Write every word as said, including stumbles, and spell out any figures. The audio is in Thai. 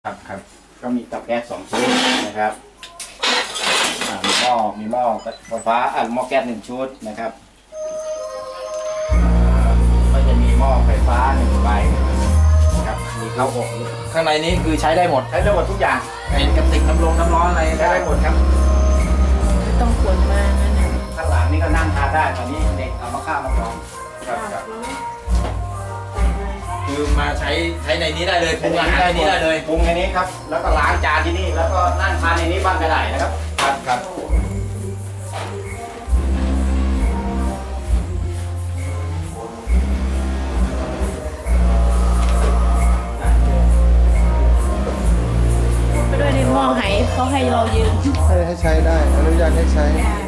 ครับครับก็มีเตาแก๊สสองชุดนะครับมีหม้อมีหม้อไฟฟ้าอ่ะหม้อแก๊สหนึ่งชุดนะครับก็จะมีหม้อไฟฟ้าหนึ่งใบนะครับมีเตาอบข้างในนี้คือใช้ได้หมดใช้ได้หมดทุกอย่างเป็นกระติกน้ำร้อนน้ำร้อนอะไรใช้ได้หมดครับไม่ต้องขนมางั้นนะข้างหลังนี่ก็นั่งทานได้ตอนนี้เด็กเอามาข้าวมาลองครับครับคือมาใช้ใช้ในนี้ได้เลยปรุงอาหารในนี้ได้เลยปรุงในนี้ครับแล้วก็ล้างจานที่นี่แล้วก็นั่งทานในนี้บ้างก็ได้นะครับครับครับไปด้วยในหม้อไหเขาให้เรายืนให้ให้ใช้ได้อนุญาตให้ใช้